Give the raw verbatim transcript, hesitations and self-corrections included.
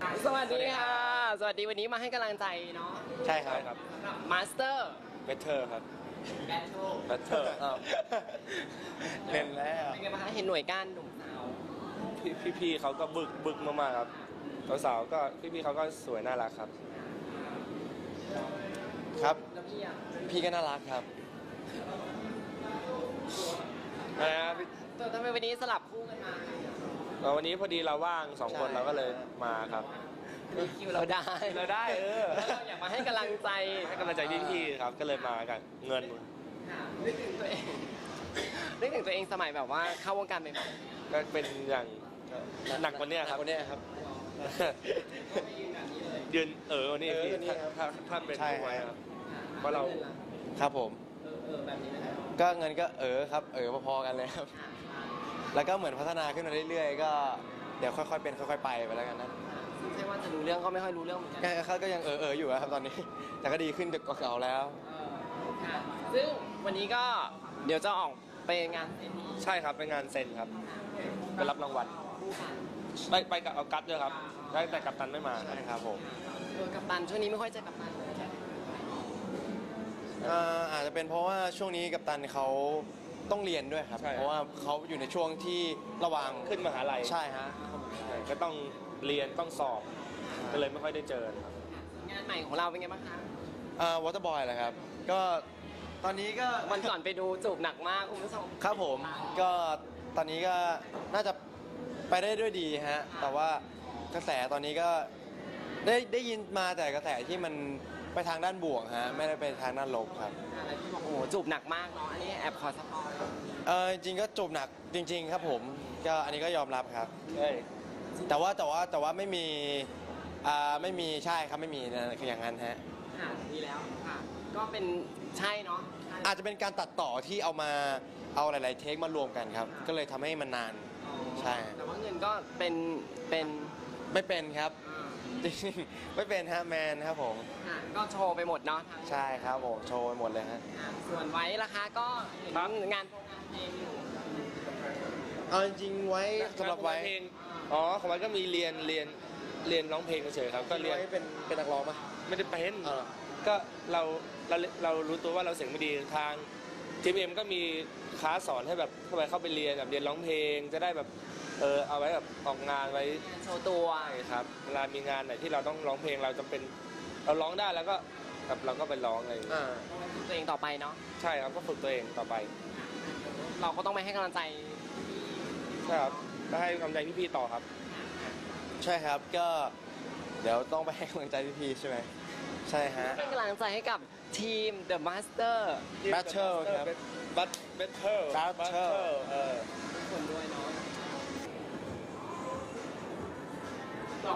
สวัสดีค่ะสวัสดีวันนี้มาให้กำลังใจเนาะใช่ครับครับมาสเตอร์เบเทอร์ครับแบทเทิลเบเทอร์เล่นแล้วเป็นไงบ้างคะเห็นหน่วยก้านหนุ่มสาวพี่พี่เขาก็บึกบึกมากๆครับสาวๆก็พี่พี่เขาก็สวยน่ารักครับครับแล้วพี่อ่ะพี่ก็น่ารักครับนะตัวทำไมวันนี้สลับคู่กันมาวันนี้พอดีเราว่างสองคนเราก็เลยมาครับคิวเราได้เราได้เออแล้วเราอยากมาให้กำลังใจให้กำลังใจพี่ๆครับก็เลยมากันเงินนึกถึงตัวเองนึกถึงตัวเองสมัยแบบว่าเข้าวงการใหม่ๆก็เป็นอย่างหนักกว่านี้ครับวันนี้ครับยืนเออวันนี้พี่ถ้าถ้าเป็นผู้ไว้ครับเพราะเราครับผมเออเออแบบนี้นะครับก็เงินก็เออครับเออพอๆกันเลยครับแล้วก็เหมือนพัฒนาขึ้นมาเรื่อยๆก็เดี๋ยวค่อยๆเป็นค่อยๆไปไปแล้วกันนะไม่ใช่ว่าจะรู้เรื่องก็ไม่ค่อยรู้เรื่องเหมือนกันเขาก็ยังเออเอออยู่ครับตอนนี้แต่ก็ดีขึ้นจากเก่าแล้วค่ะซึ่งวันนี้ก็เดี๋ยวจะออกไปงานเซ็นใช่ครับเป็นงานเซ็นครับไปรับรางวัลไปไปกับเอากัปด้วยครับได้แต่กัปตันไม่มาใช่ครับผมเออกัปตันช่วงนี้ไม่ค่อยเจอกัปตันอาจจะเป็นเพราะว่าช่วงนี้กัปตันเขาต้องเรียนด้วยครับเพราะว่าเขาอยู่ในช่วงที่ระหว่างขึ้นมหาลัยใช่ฮะก็ต้องเรียนต้องสอบก็เลยไม่ค่อยได้เจอครับงานใหม่ของเราเป็นไงบ้างคะอ่าวอเตอร์บอยเหรอครับก็ตอนนี้ก็วันก่อนไปดูจูบหนักมากคุณผู้ชมครับผมก็ตอนนี้ก็น่าจะไปได้ด้วยดีฮะแต่ว่ากระแสตอนนี้ก็ได้ได้ยินมาแต่กระแสที่มันไปทางด้านบวกฮะไม่ได้ไปทางด้านลบครับอะไรที่บอกโอ้โหจูบหนักมากเนาะอันนี้แอบขอสปอยเออจริงก็จูบหนักจริงๆครับผมก็อันนี้ก็ยอมรับครับแต่ว่าแต่ว่าแต่ว่าไม่มีอ่าไม่มีใช่ครับไม่มีนะคืออย่างนั้นฮะค่ะดีแล้วค่ะก็เป็นใช่เนาะอาจจะเป็นการตัดต่อที่เอามาเอาหลายๆเทคมารวมกันครับก็เลยทำให้มันนานใช่แต่ว่าเงินก็เป็นเป็นไม่เป็นครับจริงไม่เป็นฮะแมนครับผมก็โชว์ไปหมดเนาะใช่ครับผมโชว์ไปหมดเลยฮะส่วนไว้ราคาก็งานงานเพลงอยู่เอาจริงไว้สำหรับไว้เพลงอ๋อของไว้ก็มีเรียนเรียนเรียนร้องเพลงเฉยๆครับก็เรียนเป็นเป็นนักร้องปะไม่ได้เป็นก็เราเราเรารู้ตัวว่าเราเสียงไม่ดีทางทีมเอ็มก็มีคลาสสอนให้แบบเข้าไปเข้าไปเรียนแบบเรียนร้องเพลงจะได้แบบเออเอาไว้แบบออกงานไว้โชว์ตัวครับเวลามีงานไหนที่เราต้องร้องเพลงเราจำเป็นเราร้องได้แล้วก็แบบเราก็ไปร้องอะไรอ่าฝึกตัวเองต่อไปเนาะใช่ครับก็ฝึกตัวเองต่อไปเราก็ต้องไปให้กำลังใจใช่ครับก็ให้กำลังใจพี่ๆต่อครับใช่ครับก็เดี๋ยวต้องไปให้กำลังใจพี่ๆใช่ไหมใช่ฮะเป็นกำลังใจให้กับทีม The Master Battle ครับ Battle Battle เออคนด้วย